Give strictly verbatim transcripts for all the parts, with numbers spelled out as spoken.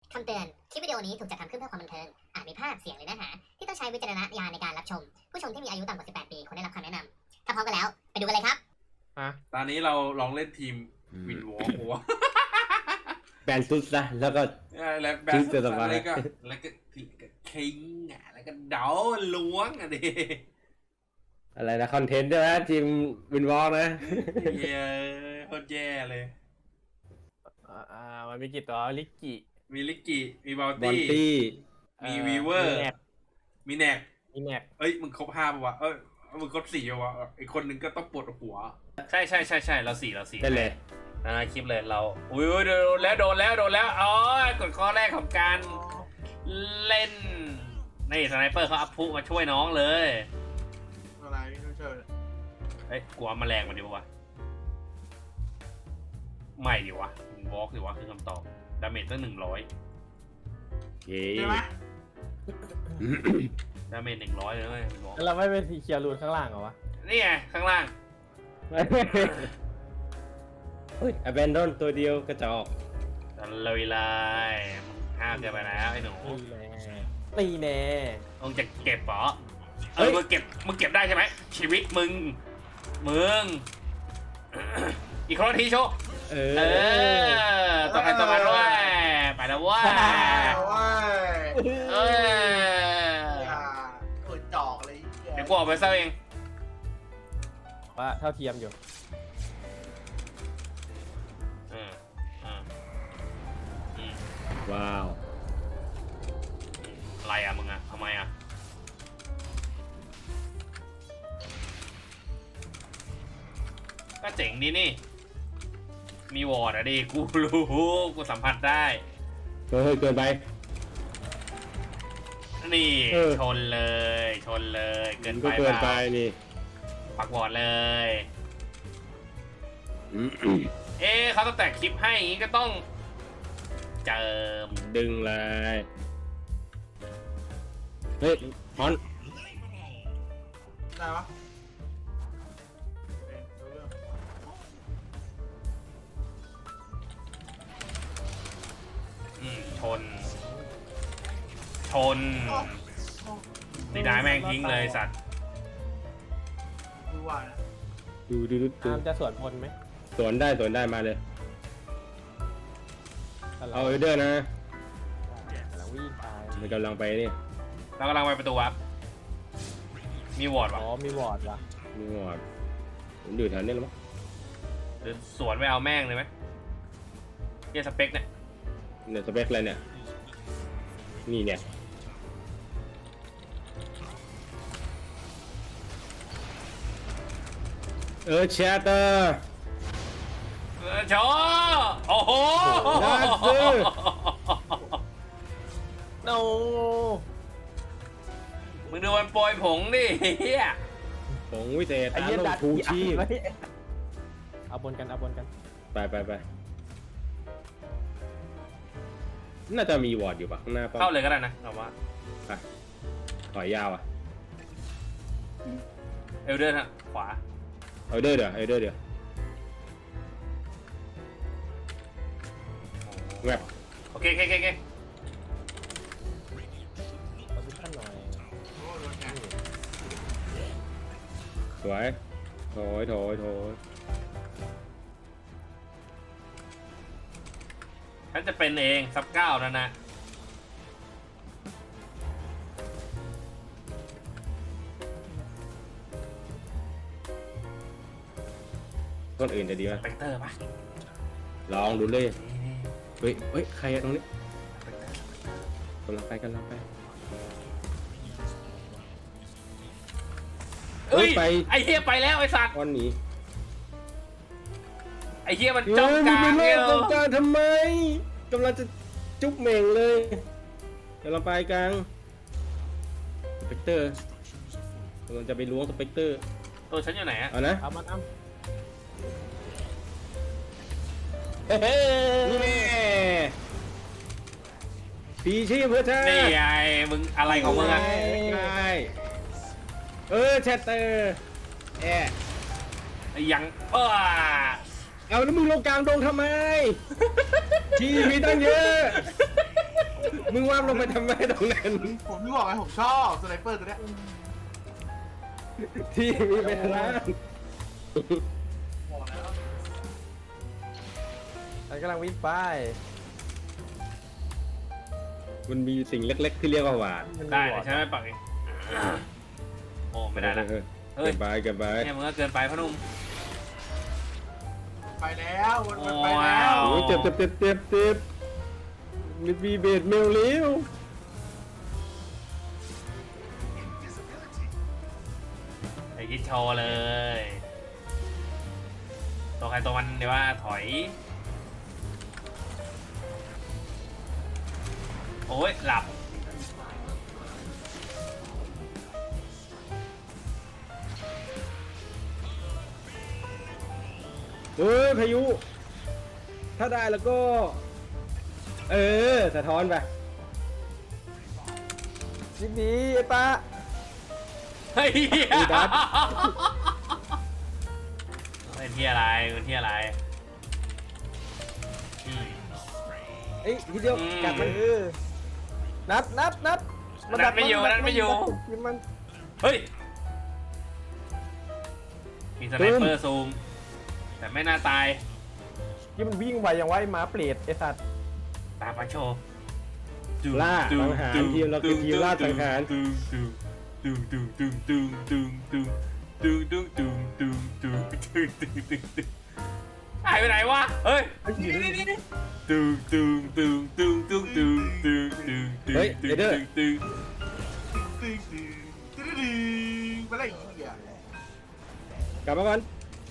คำเตือน คลิปวิดีโอนี้ถูกจัดทำขึ้นเพื่อความบันเทิง อาจมีภาพ เสียง หรือเนื้อหาที่ต้องใช้วิจารณญาณในการรับชม ผู้ชมที่มีอายุต่ำกว่า สิบแปด ปีควรได้รับคำแนะนำ ถ้าพร้อมกันแล้ว ไปดูกันเลยครับอ่ะตอนนี้เราลองเล่นทีมวินวอล์กหัวแบนซุดนะแล้วก็แล้วแบชื่บอเสือสบายแล้วก็แล้วก็คิงอ่ะแล้วก็เดาล้วงอ่ะดิอะไรนะคอนเทนต์ใช่ไหมทีมวินวอลนะเย้โคตรแย่เลยอ่าอ่ามันมีกี่ตัวลิกกี้มีลิกกี้มีบอลบอลตี้ตี้มีวีเวอร์มีแนกมีแนกมีแนกเอ้ยมึงครบห้าป่ะวะเอ้ยมึงครบสี่ป่ะวะอีกคนนึงก็ต้องปวดหัวใช่ใช่ใช่ใช่เราสี่เราสี่ได้เลยอ่าคลิปเลยเราอุ้ยโดนแล้วโดนแล้วโดนแล้วอ๋อกดข้อแรกของการเล่นนี่สไนเปอร์เขาอัพพุมาช่วยน้องเลยอะไรไม่เชิญเอ้ยกลัวแมลงมันดีวะไม่ดีวะวอล์กดีวะคือคำตอบดาเมจตั้งหนึ่งร้อยเย้ใช่ไหมดาเมจหนึ่งร้อยเลยเว้ยวอล์กแล้วเราไม่เป็นเคลียร์รูนข้างล่างเหรอวะนี่ไงข้างล่างเฮ้ยอเบนดอนตัวเดียวกระจอกตะลุยเลยห้ามเกินไปแล้วไอ้หนูตีแน่ตีแน่มึงจะเก็บเหรอเออมึงเก็บมึงเก็บได้ใช่ไหมชีวิตมึงมึง อีกคนละทีโชว์เอเอออต่อไปต่อมาด้วยไปแล้วว่าว้ายเอออย่าเปิดจอกเลยเดี๋ยวกูออกไปเซอร์เองว่าเท่าเทียมอยู่เออเอออืมว้าวอะไรอ่ะมึงอ่ะทำไมอ่ะก็เจ๋งดีนี่มีวอร์ดอะดิกูรู้กูสัมผัสได้เฮ้ยเกินไปนี่เออชนเลยชนเลยเกินไปก็เกินไปปล่านี่ปักวอร์ดเลยอืมเอ๊ะเขาต้องแต่งคลิปให้อย่างงี้ก็ต้องเจิมดึงเลยเฮ้ยฮอนได้ปะอืมชน ชนนี่ได้แม่งทิ้งเลยสัตว์ดูว่านะดูดูดูดูอามจะสวนพลไหมสวนได้สวนได้มาเลย เอาเอเดอร์นะแล้ววิ่งไปมันกำลังไปนี่เรากำลังไปประตูวับมีวอร์ดอ๋วะอมีวอร์ดว่ะนี่หมดผมอยู่แถวนี้แล้วมั้งหรือสวนไปเอาแม่งเลยไหมเกียร์สเปคเนี่ยเนี่ยสเปคอะไรเนี่ยนี่เนี่ยเออแชตเตอร์เออชอโอ้โหน่าซื้อโนมึงดูมันโปรยผงดิเฮียผงวิเศษไอ้ตาเหี้ยลดังดทูชีพไว้เอาบนกันเอาบนกันไปไปไปน่าจะมีวอร์ดอยู่ปะข้างหน้าป้อมเข้าเลยก็ได้นะเราว่าไปถอยยาวอ่ะเอลเดอร์ฮะขวาเอาเดอร์เดี๋ยวเอาเดอร์เดี๋ยวแวบโอเคโอเคโอเคโอเคโพซิชั่นหน่อยโอ้โดนแกสวยโถอยโถอยโถอยฉันจะเป็นเองซับเก้านั่นนะต้นอื่นจะดีไหมสเปกเตอร์ปะลองดูเลยนี่เฮ้ยเฮ้ยใครอะตรงนี้กำลังไปกำลังไปเอ้ยไปไอเฮียไปแล้วไอสัตว์ก้อนหนี้ไอเฮียมันเฮ้จ้องยกมึงลางไปเล่เนี่ยนตรงกลางทำไมกำลังจะจุ๊บเหม่งเลยกำลังไปกลางสเปกเตอร์กำลังจะไปล้วงสเปกเตอร์ตัวฉันอยู่ไหนอะเอานะเอามันเอานี่แน่พีชีพเพื่อชาตินี่ไงมึงอะไรของมึงอะใช่เออแชตเตอร์แอะไอ้ยังเออเอาแล้วมึงลงกลางดงทำไม ที่มีตั้งเยอะมึงว่าลงไปทำไมตรงนั้นผมที่บอกไงผมชอบสไนเปอร์ตัวเนี้ยที่มีเป็นล้านบอกแล้วฉันกำลังวิ่งไปมันมีสิ่งเล็ก ๆ ที่เรียกว่าหวานได้เดี๋ยวฉันไปปักเองโอ้ไม่ได้ละเออเฮ้เก็ยบไปเก็บไปเนี่ยมึงก็เกินไปพ่อหนุ่มไปแล้วมันมันไปแล้วว้าวโอ้ยเจ็บเจ็บเจ็บเจ็บเจ็บมีบีเบดเมลเลี้ยวไอ้ยิดโชว์เลย ตัวใครตัวมันเดี๋ยวว่าถอย โอ้ยหลับเฮ้ยพายุ ถ้าได้แล้วก็ เออสะท้อนไปยิงดีไอ้ตาเฮ้ยไอ้ดับเป็นที่อะไรเป็นที่อะไรอืมเอ้ยทีเดียวอืมกัดมันเออนัดนัดนัดนัดไม่อยู่นัดไม่อยู่ยิงมันเฮ้ย มีสไนเปอร์ซูม แต่ไม่น่าตายยิงมันวิ่งไวอย่างไวหมาเปรตไอ้สัตว์ตามมาโชว์ล่าสังหารทีมเราคือทีมล่าสังหารตึงตึงตึงตึงตึงตึงตึงตึงตึงตึงตึงตึงตึงตึงตึงตึงตึงหายไปไหนวะ เฮ้ยตึงตึงตึงตึงตึงตึงตึงตึงตึงเฮ้ยตึงเอเดอร์ตึงตึงตึ้งตึ้งตึ้งตึ้งไปเลยไอ้เหี้ยกลับมาก่อน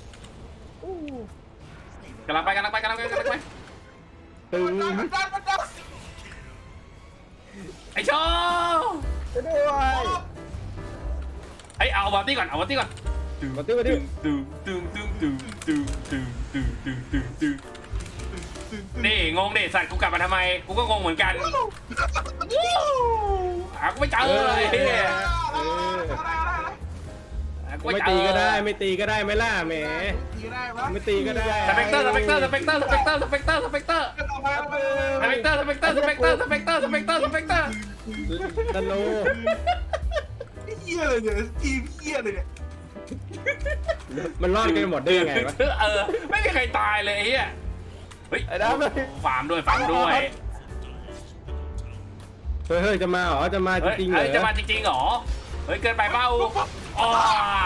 กำลังไปกำลังไปกำลังไปกำลังไปตึงมันดันมันดันมันดันไอ้โชว์ไปด้วยไอ้เอาบอลตี้ก่อนเอาบอลตี้ก่อนตึงมาติ้วมาติ้วตึงตึงตึงตึงตึงตึงตึงตึงตึงตึงนี่งงดิสัตว์กูกลับมาทำไมกูก็งงเหมือนกันหากูไม่เจอเลยเฮียเออหากูไม่ไม่เจตีอก็ได้ไม่ตีก็ได้ไม่ล่าแหมตีได้ปะไม่ตีก็ได้สเปกเตอร์สเปกเตอร์สเปกเตอร์สเปกเตอร์สเปกเตอร์สเปกเตอร์เอาไปเอาไปสเปกเตอร์สเปกเตอร์สเปกเตอร์สเปกเตอร์สเปกเตอร์สเปกเตอร์สเปกเตอร์ดันโลเหี้ยเลยเนี่ยทีมเหี้ยเลยเนี่ยมันรอดกันหมดได้ยังไงวะเออไม่มีใครตายเลยไอ้เฮียเฮ้ยไอ้ดำเลยฟาร์มด้วยฟาร์มด้วยเฮ้ยเฮ้ยจะมาเหรอจะมาจเฮ้ยริงๆเหรเฮ้ยจะอมาจริงๆเหรอเฮ้ยเกินไปเปล่าอ๋อ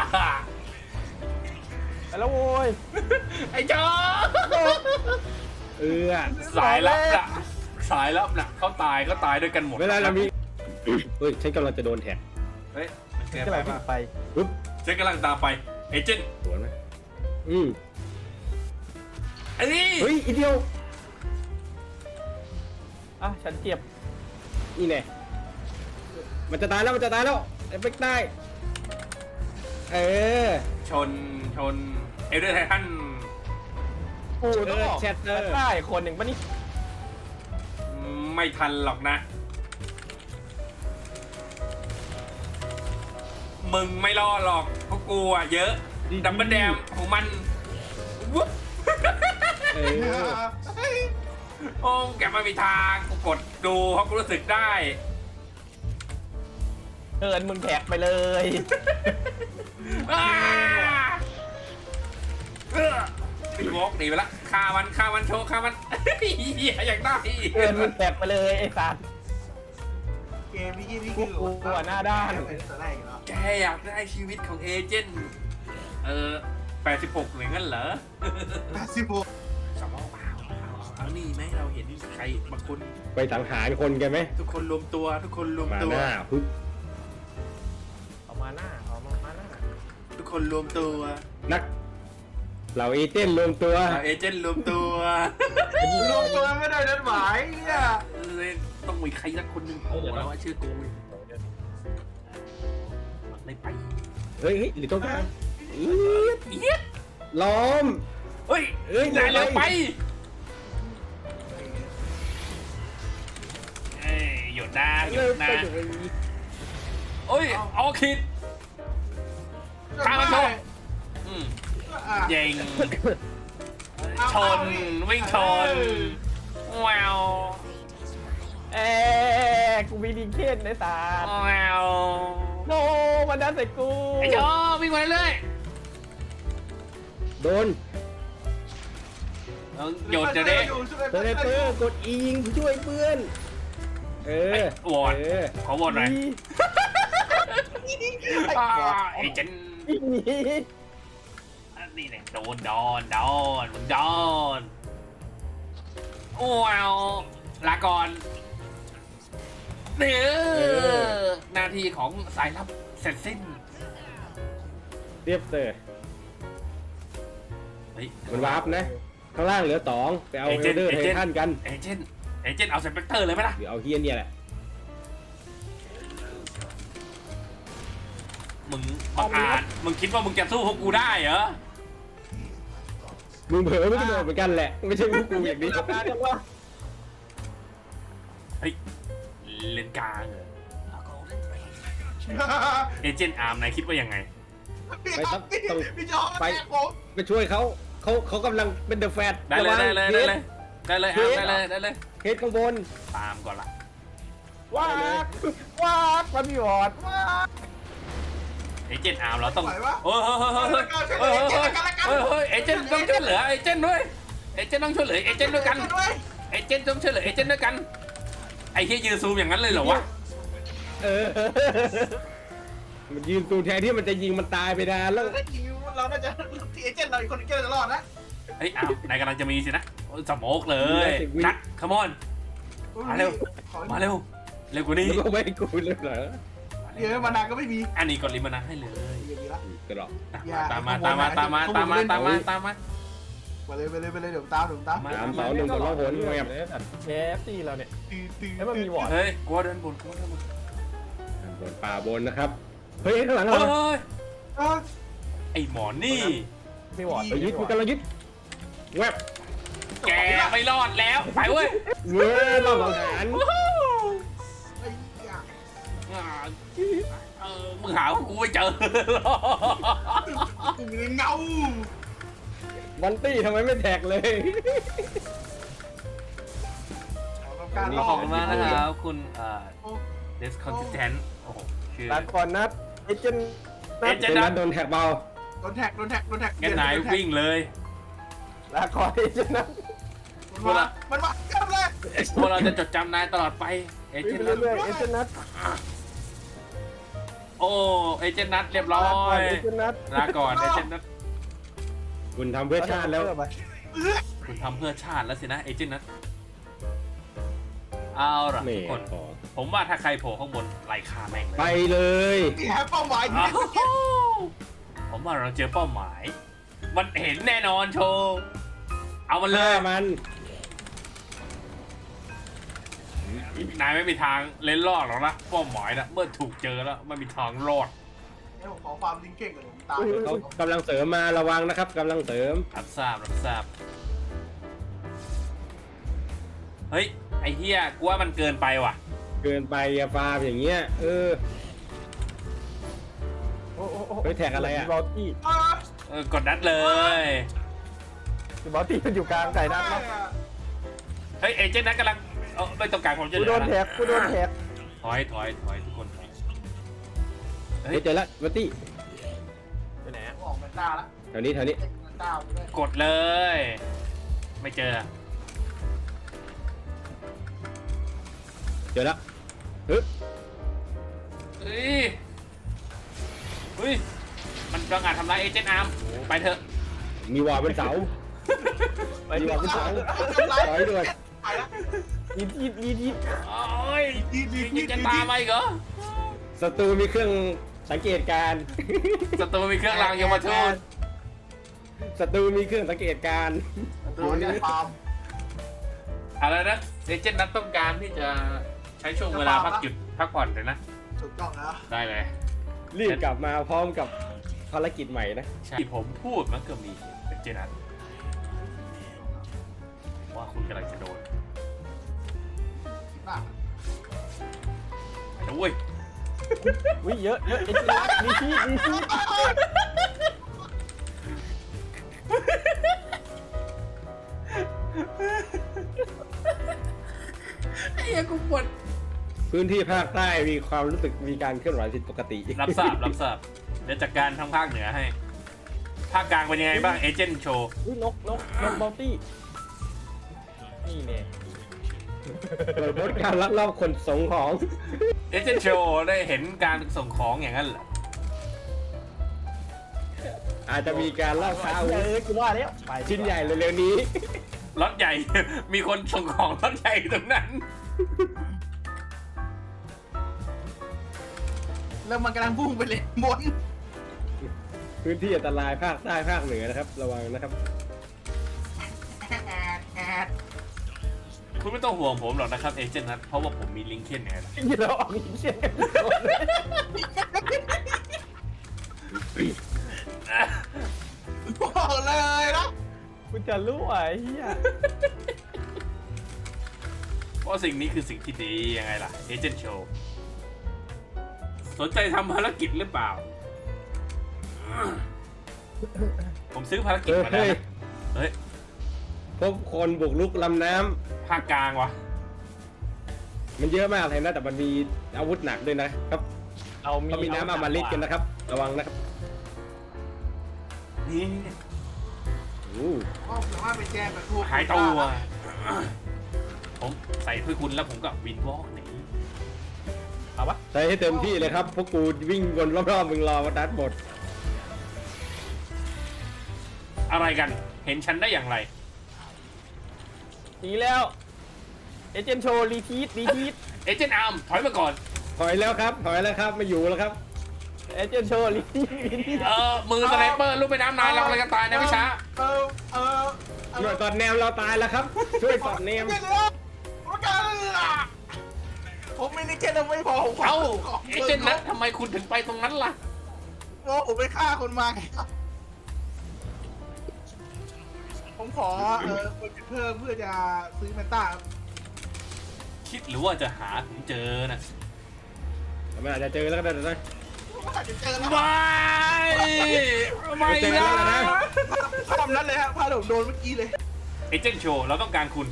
ไปแล้วโว้ยไอ้จอเออสายลับน่ะสายลับน่ะเขาตายเขาตายด้วยกันหมดเวลาเรามี เฮ้ยฉันกำลังจะโดนแท็กเฮ้ยมันเกินจะไปไปป่ะไปปุ๊บฉันกำลังตามไปเอเจนต์สวนไหมอืมไอ้นี่เฮ้ยอีเดียวอ่ะฉันเจ็บนี่แน่มันจะตายแล้วมันจะตายแล้วเอฟเฟกต์ได้เออชนชนเอเดอร์ไททันกูต้องบอกแชทเตอร์ได้คนหนึ่งปะนี่ไม่ทันหรอกนะ มึงไม่รอดหรอกเพราะกูอ่ะเยอะดับเบิลแดมของมันวุ๊บเออโอ้แกไม่มีทางกูกดดูเพราะกูรู้สึกได้เกินมึงแท็กไปเลยอ้าเออตีวอกหนีไปละฆ่ามันฆ่ามันโชว์ฆ่ามัน เหี้ยอยากได้เกินมึงแท็กไปเลยไอ้สัตว์เกมนี้นี่คือกูกลัวหน้าด้านเป็นแต่แรกอยู่แล้วแกอยากได้ชีวิตของเอเจนต์เออแปดสิบหกหรืองั้นเหรอแปดสิบหกสมองเปล่าเอานี่ไหมเราเห็นใครบางคนไปสังหารคนกันไหมทุกคนรวมตัว ทุกคนรวมมาตัวหน้าปึ๊บเอามาหน้าเอามาหน้าทุกคนรวมตัวนักเหล่าเอเจนต์รวมตัวเราเอเจนต์รวมตัวรวมตัวไม่ได้นัดหมายเนี่ยเลยต้องมีใครสักคนหนึ่งโผล่แล้วว่าชื่อกูไม่ไปเฮ้ยเฮ้ยหรือต้องการอี๊ดเหี้ยล้อมเฮ้ยเอ้ยนายเร็วไปเร็วเอ้ยหยุดนะหยุเริ่ดมไปนะอยู่ไอ้โอ้ยเอาคิดข้ามมันโชว์อืมอ่ะยิงชนวิ่งชนแววเอ้กูมีดีเคนในตาแมวโนมันดันใส่กูไอ้โจวิ่งมาเรื่อยโดนๆต้องหยุดเดี๋ยวนี้สไนเปอร์กดอียิงช่วยเพื่อน เออวอดเออขอวอดหน่อยอ่าไอ้เจนอีหนีนี่เนี่ยโดนโดนโดนมึงโดนว้าวลาก่อนเนี่ยหน้าที่ของสายลับเสร็จสิ้นเรียบเตอร์เฮ้ยมันวาร์ปนะ ข้างล่างเหลือสองไปเอาเอเอเจลนต์เดอร์เอไทเจนต์ทันกันเอเจนต์เอเจนต์เอาสเปกเตอร์เลยไหมล่ะเดี๋ยวเอาเฮียเนี่ยแหละมึงบังอาจมึงคิดว่ามึงจะสู้พวกกูได้เหรอมึงเผลอไม่กระโดดเหมือนกันแหละ ไม่ใช่พวกกูอย่างนี้การจังวะเฮ้ยเลนกลางเหรอเอเจนต์อาร์มนายคิดว่ายังไงพี่ต้องพี่จอไปผมไปช่วยเขาเขาเขากำลังเป็นเดอะแฟตได้เลยได้เลยได้เลยได้เลยอาร์มได้เลยได้เลยเฮดข้างบนตามก่อนละว้ากว้ากมันมีวอดว้ากเอเจนต์อาร์มเราต้องไหววะเฮ้ยเฮ้ยเฮ้ยเฮ้ยเฮ้ยเฮ้ยเฮ้ยเอเจนต์ต้องช่วยเหลือเอเจนต์ด้วยเอเจนต์ต้องช่วยเหลือเอเจนต์ด้วยกันด้วยเอเจนต์ต้องช่วยเหลือเอเจนต์ด้วยกันไอ้เฮียยืนซูมอย่างนั้นเลยเหรอวะเออ มันยืนตูแทนที่มันจะยิงมันตายไปนานแล้วถ้ายิงเราน่าจะเอเจนต์เราอีกคนนึงจะรอดนะเฮ้ยอาร์มนายกำลังจะมีสินะโอ้ยสโมกเลยนัดขมอนมาเร็วมาเร็วเร็วกว่านี้แล้วก็ไม่ให้กูเลยเหรอเดี๋ยวมานานก็ไม่มีอันนี้กดลิมานะให้เลยอย่างนี้ละกระหรอกตามมาตามมาตามมาตามมาตามมาตามมาไปเลยไปเลยไปเลยเดี๋ยวตามเดี๋ยวตามสามสองหนึ่งกดล่องหนแมบเชฟตีเราเนี่ยตีตีแล้วมันมีวอดเฮ้ยกลัวเดินบนกลัวเดินบนบนป่าบนนะครับ เฮ้ยข้างหลังเฮ้เรายไอหมอนี่มีวอดไปยึดกูกำลังยึดแวบแกไม่รอดแล้วไปเว้ยเว้ยรอบสังหารไอ้เหี้ยเออมึงหาว่ากูไม่เจอกูเงาวันตี้ทำไมไม่แท็กเลยการขอบคุณมากนะครับคุณเอ่อ discontent โอ้โหชื่อลาก่อนนัดเอเจนต์เอเจเจนนต์นั้นันดโดนแท็กเบาโดนแท็กโดนแท็กโดนแท็กแกนายวิ่งเลยลาก่อนเอเจนต์นัดมันมามันมาเกินเลยพวกเราจะจดจำนายตลอดไปเอเจวิ่นงต์นัดเรื่อยๆเอเจนต์นัดโอ้เอเจนต์นัดเรียบร้อลาก่อนยเอเจนต์นัดลาก่อนเอเจนต์นัดคุณทำเพื่อชาติแล้วคุณทำเพื่อชาติแล้วสินะเอเจนต์นัดเอาล่ะนี่ทุกคนขอผมว่าถ้าใครโผล่ข้างบนไล่ฆ่าแม่งเลยไปเลยนี่ฮะเป้าหมายอ้าวผมว่าเราเจอเป้าหมาย มันเห็นแน่นอนโชว์เอามันเลฆ่าย มันนายไม่มีทางเล่นรอดหรอกนะเป้าหมายนะเมื่อถูกเจอแล้วไม่มีทางรอดเนี่ยผมขอความลิงเก่งกับผมตายเขากำลังเสริมมาระวังนะครับกำลังเสริมรับทราบรับทราบเฮ้ยไอ้เฮียกูว่ามันเกินไปว่ะเกินไปอะฟาร์มอย่างเงี้ยเออโอ้โหเฮ้ยแท็กอะไรอะมีบอลตี้เออกดนัดเลยมีบอลตี้มันอยู่กลางไก่นัดนะเฮ้ยเอเจนต์นัดกำลังเออไม่ต้องการผมจะกูเหลืโดอน นะแท็กกูโดนแท็กถอยถอยถอยทุกคนถอยเฮ้ยเจอละวัตตี้ไปไหนอะออกแมนต้าละแถวนี้แถวนี้แมนต้าด้วยกดเลย ไม่เจอเจอละฮึบเฮ้ยเฮ้ยมันประงาจทำร้ายเอเจนต์อาร์มไปเถอะมีวอลเป็นเสามีวอลเป็นเสาถอยด้วยไปละยีดยีดยีดยีดโอ้ยดีดีดียังจะตามมาอีกเหรอศัตรูมีเครื่องสังเกตการณ์ศัตรูมีเครื่องรางยมทูตศัตรูมีเครื่องสังเกตการณ์ตัวนี้ฟาร์มอะไรนะเอเจนต์นัดต้องการที่จะใช้ช่วงเวลาพักหยุดพักผ่อนเลยนะถูกต้องแล้วได้เลยรีบกลับมาพร้อมกับภารกิจใหม่นะใช่ที่ผมพูดมันก็มีเอเจนต์นัดว่าคุณกำลังจะโดนน่าไปนะเว้ยวิ่งเยอะเยอะเอเจนต์นัดมีชีดมีชีดไอ้เหี้ยกูปวดพื้นที่ภาคใต้มีความรู้สึกมีการเคลื่อนไหวผิดปกติรับทราบรับทราบเดี๋ยวจัดการทางภาคเหนือให้ ภาคกลางเป็นยังไงบ้างเอเจนต์โชว์อุ้ยนกนกนกบอลตี้นี่เนี่ยเปิดบทการลักลอบขนส่งของเอเจนต์โชว์ได้เห็นการส่งของอย่างนั้นเหรออาจจะมีการล่าช้าอาวุเอธอกูว่าแล้วไปชิ้นใหญ่เร็วๆนี้รถใหญ่ มีคนส่งของรถใหญ่ตรงนั้นแล้วมันกำลังพุ่งไปเลยบนพื้นที่อันตรายภาคใต้ภาคเหนือนะครับ ระวังนะครับแอดแอดคุณไม่ต้องห่วงผมหรอกนะครับเอเจนต์นัทเพราะว่าผมมีลิงก์เคนไงล่ะยินเราออกยินเสียงกันก่อนเลยบอกเลยนะกูจะรู้ไอ้เหี้ยเพราะสิ่งนี้คือสิ่งที่ดียังไงล่ะเอเจนต์โชว์สนใจทำภารกิจหรือเปล่า ผมซื้อภารกิจเออมาแล้วเฮ้ยนะเฮ้ยพบคนบุกรุกลำน้ำภาคกลางวะมันเยอะมากเลยนะ แต่มันมีอาวุธหนักด้วยนะครับเอามีเขามีน้ำอมฤตกันนะครับ ระวังนะครับนี่อู้ก็สามารถไปแจ้งกับพวกหายตัวผมใส่เพื่อคุณแล้วผมก็วินวอล์กหนีเอาปะใช้ให้เต็มที่เลยครับ พวกกูวิ่งวนรอบๆมึงรอวัดดัดหมดอะไรกันเห็นฉันได้อย่างไรหนีแล้วเอเจนต์โชว์รีทีทรีทีทเอเจนต์อาร์มถอยมาก่อนถอยแล้วครับ ถอยแล้วครับ ไม่อยู่แล้วครับเอเจนต์โชว์รีทีทรีทีทเออมือสไนเปอร์ลูกไปน้ำนานเรากำลังจะตายนะพี่ช้าเออเออเอหน่อวยสอดแนมเราตายแล้วครับ ช่วยสอดแนมไม่เหลือผมกันผมไม่ได้แค่นั้นไม่พอผมขเอ้าขเอเจนต์นัททำไมคุณถึงไปตรงนั้นล่ะเพราะผมไปฆ่าคนมาไงครับผมขอเออคนเพิ่มเพื่อจะซื้อแมนต้าครับคิดหรือว่าจะหาถึงเจอนะมันอาจจะเจอแล้วก็ได้นะว่าจะเจอแล้วไม่ไม่เจอแล้วนะนะภาพนั้นเลยฮะภาพผมโดนเมื่อกี้เลยเอเจนต์โชว์เราต้องการคุณ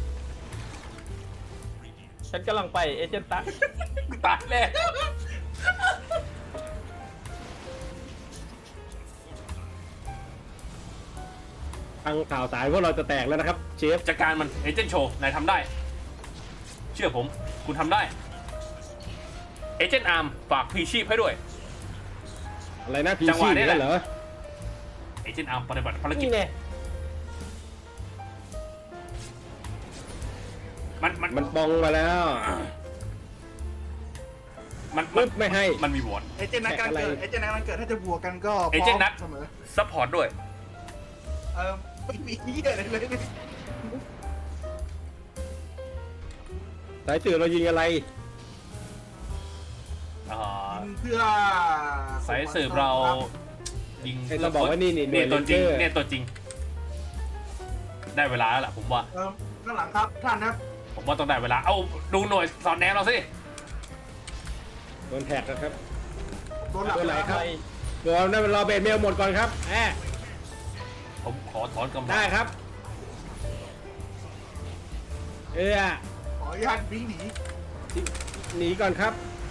ฉันกำลังไปเอเจนต์ตั๊กตายแล้วทางข่าวสารพวกเราจะแตกแล้วนะครับ เชฟจัดการมันเอเจนต์โชว์นายทำได้ เชื่อผมคุณทำได้เอเจนต์อาร์มฝากพลีชีพให้ด้วยอะไรนะพีจังหซีวะนี้แหละเหรอเอเจนต์อาร์มปฏิบัติภารกิจนี่เนี่ยมันมันมันปองมาแล้วมันมัปึ๊นบไม่ให้มันมีวอร์ดเอเจนต์นัดการเกิดเอเจนต์นัดการเกิดถ้าจะบวกกันก็พเอร้เจอนต์นัดมเสมอซัพพอร์ตด้วยเออไม่มีเหี้ยอะไรเลยสายสื่อเรายิงอะไรอ่าเพื่อสายสืบเรายิงให้เราบอกว่านี่นี่หน่นี่วยตัวจริง Ranger เนี่ยตัวจริง ได้เวลาแล้วล่ะผมว่าเออข้างหลังครับท่านนะครับผมว่าต้องได้เวลา เอาดูหน่วยสอนแนวเราสิโดนแท็กนะครับโดนหลับตัวไหนแล้วคครัรับ บเดี๋ยวนั่นรอเบรเมลหมดก่อนครับแอบผมขอถอนกำลังได้ครับ เออขออนุญาตวิ่งหนีหนีก่อนครับ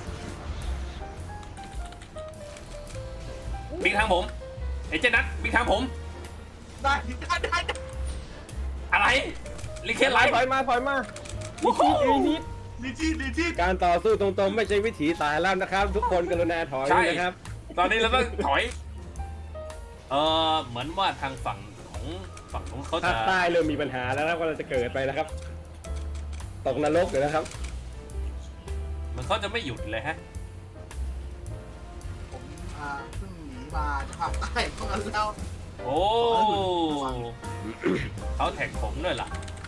บิ๊กทางผมเอเจนต์นัทบิ๊กทางผมได้ได้ได้ได้อะไรลิเคนไลฟ์ถอยมาถอยมาวู้ฮู้รีทีทดีที่ดีที่การต่อสู้ตรงๆ ไม่ใช่วิถีสายแล้วนะครับ ทุกคนกรุณาถอยด้วยนะครับตอนนี้เราต้องถอย เออเหมือนว่าทางฝั่งของฝั่งนู้นเขาภาจะคใต้เริ่มมีปัญหาแล้วนะครับว่าเราจะเกิดไปนะครับ ตกนรกเลยนะครับเหมันเขาจะไม่หยุดเลยฮะผมอ่าเพิ่งหนีมาจากภาคใต้มาแล้วโอ้เขาแท็กผมด้วยล่ะ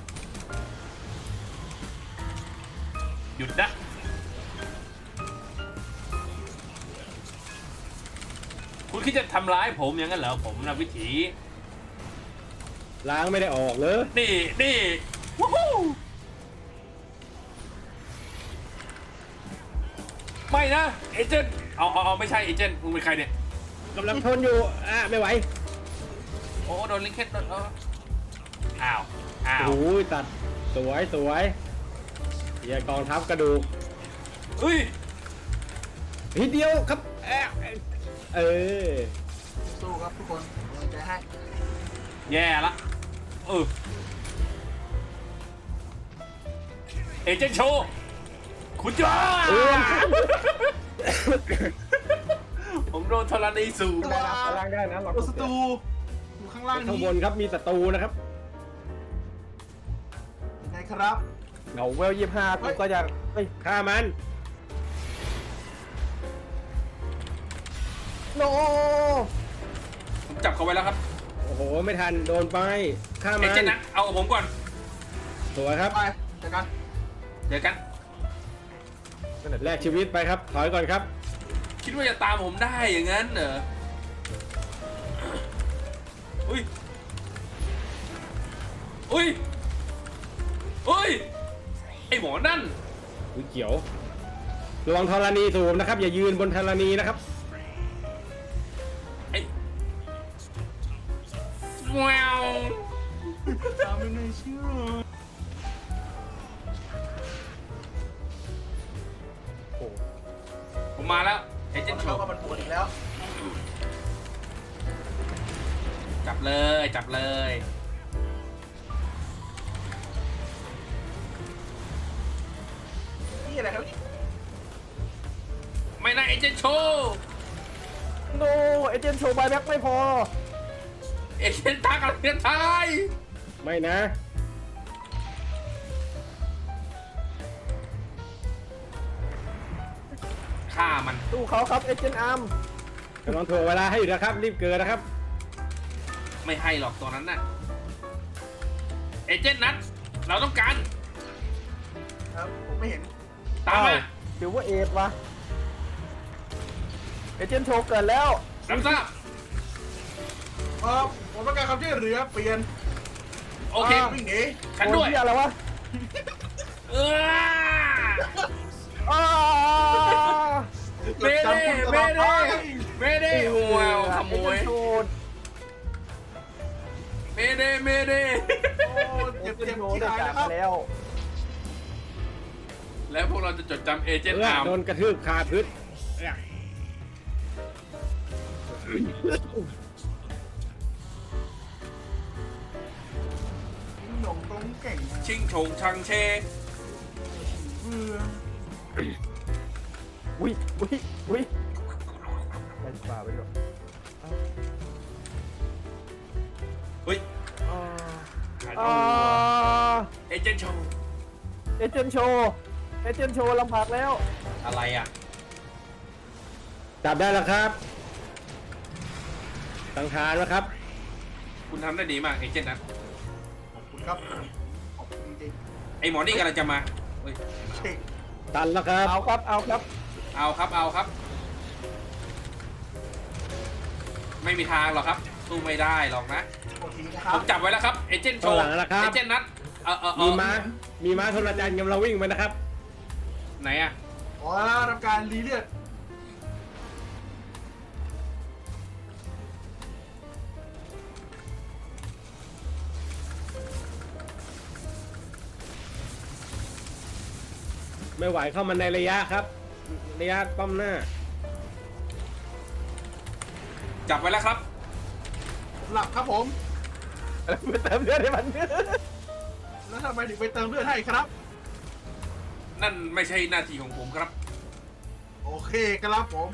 หยุดนะ คุณคิดจะทำร้ายผมอย่างนั้นเหรอผมนะวิถีล้างไม่ได้ออกเลยนี่นี่วู้ฮู้ไม่นะ เอเจนต์เอาเอาเอาไม่ใช่เอเจนต์มึงเป็นใครเนี่ยกำลังทนอยู่ อ่ะ ไม่ไหวโอ้โดนลิงเคนโดนเอออ้าว อ้าวโอ้ยตัด สวยสวยเฮียกองทัพกระดูกเฮ้ยทีเดียวครับเอ๊ะเออสู้ครับทุกคนกำลังใจให้แย่ละเออเอเจนต์โชว์คุณจ้าเออผมโดนธรณีสูงได้นะล่างได้นะเราตัวศัตรูอยู่ข้างล่างข้างนี้บนครับมีศัตรูนะครับยังไงครับเหงาเวลยี่ห้ากูก็จะเฮ้ยฆ่ามันโนผมจับเขาไว้แล้วครับโอ้โหไม่ทันโดนไปฆ่าเอมันเจนต์นะเอากับผมก่อนสวยครับไปเจอกันเจอกันแลกชีวิตไปครับถอยก่อนครับคิดว่าจะตามผมได้อย่างนั้นเหรออุ้ยอุ้ยอุ้ยไอหมอนั่นอุ้ยเขียวระวังธรณีสูบนะครับ อย่ายืนบนธรณีนะครับไอแววตามไม่น่าเชื่อผมมาแล้วเอเจนต์โชเราว์ก็มันปวดอีกแล้วจับเลยจับเลยนี่อะไรครับนี่ไม่นะเอเจนต์โชว์โนเอเจนต์โชว์ใบแบ็กไม่พอเอเจนต์ทักอะไรกันไทยไม่นะฆ่ามันตู้เขาครับเอเจนต์อาร์มกำลังถ่วงเวลาให้อยู่นะครับ รีบเกินนะครับไม่ให้หรอกตัวนั้นน่ะเอเจนต์นัทเราต้องการครับผมไม่เห็นตามมาหรือว่าเอทวะเอเจนต์โชว์เกิดแล้วรับทราบเออผมต้องการความช่วยเหลือเปลี่ยนโอเควิ่งหนีฉันด้วยโอ้เหี้ยอะไรวะเอออ้าเมเด้เมเด้เมเด้ว้าวขโมยเอเจนต์โชว์เมเด้เมเด้โอ้เอเจ็บเจเจ็นบต์โชว์ที่ได้ตายจากแล้วครับแล้วแล้วพวกเราจะจดจำเอเจนเอต์ออาร์มโดนกระทืบคาพื้นหนงตรงเก่งชิงชงชังเชเบื่ออุ้ยอุ้ยอุ้ยไปป่าไปก่อนเฮ้ยอ่าหายอ่าเอเจนต์โชว์เอเจนต์โชว์เอเจนต์โชว์ลำบากแล้วอะไรอ่ะจับได้แล้วครับสังหารแล้วครับคุณทำได้ดีมากเอเจนต์นัทขอบคุณครับขอบคุณจริงไอหมอนี่กำลังจะมาเฮ้ยๆเก่งตันแล้วครับเอาครับเอาครับเอาครับเอาครับ ไม่มีทางหรอกครับสู้ไม่ได้หรอกนะโทษทีนะครัผบมจับไว้แล้วครับเอเจนต์โชว์ข้างหลังแล้วครับเอเจนต์นัทเออเออเอมีอม้า มีม้าโทรจันทร์กำลังวิ่งไปนะครับไหนอ่ะขอทำการรีเลือดไม่ไหวเข้ามาในระยะครับ ระยะป้อมหน้าจับไว้แล้วครับผมหลับครับผมไปเติมเลือดให้มันแล้วทำไมถึงไปเติมเลือดให้ครับนั่นไม่ใช่หน้าที่ของผมครับโอเคครับผม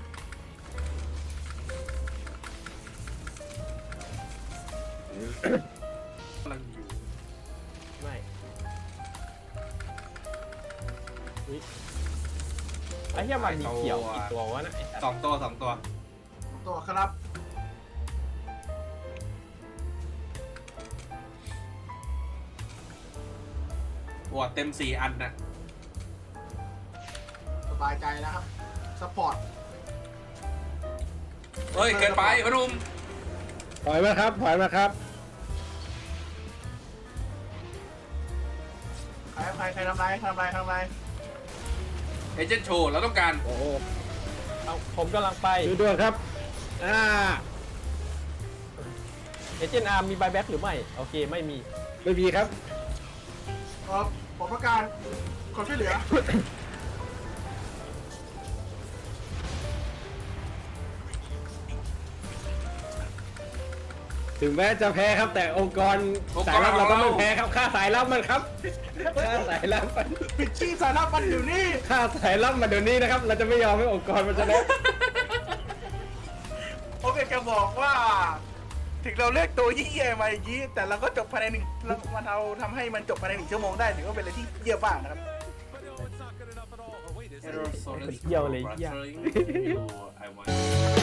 กำลังอยู่ไม่อุ๊ยไอ้เหี้ยมันมีเขียวกี่ตัววะนะไอ้สัตว์สองตัวสองตัวตัวครับบวดเต็มสี่อันนะสบายใจแล้วครับสปอร์ตเฮ้ย เกินไปพนุ่มถอยมาครับ ถอยมาครับใครใครใครทำไรใครทำไรใครทำไรเอเจนต์โชว์เราต้องการโอ้โหเอาผมกำลังไปช่วยด้วยครับ อ่าเอเจนต์อาร์มมีใบแบ็กหรือไม่ โอเคไม่มีไม่มีครับเออผมต้องการความช่วยเหลือถึงแม้จะแพ้ครับแต่องค์กรสายลับเราก็ไม่แพ้ครับฆ่าสายลับมันครับฆ่าสายลับมันปิดชีพสารพันอยู่นี่ฆ่าสายลับมันเดี๋ยวนี้นะครับ เราจะไม่ยอมให้องค์กรมันชนะโอเคจะบอกว่า ถึงเราเลือกตัวยี่เยี่ยมาอย่างนี้แต่เราก็จบภายในหนึ่งเรามันเอาทำให้มันจบภายในหนึ่งชั่วโมงได้ถือว่าเป็นอะไรที่เยี่ยมมากนะครับเยี่ยวเลยเยี่ย I want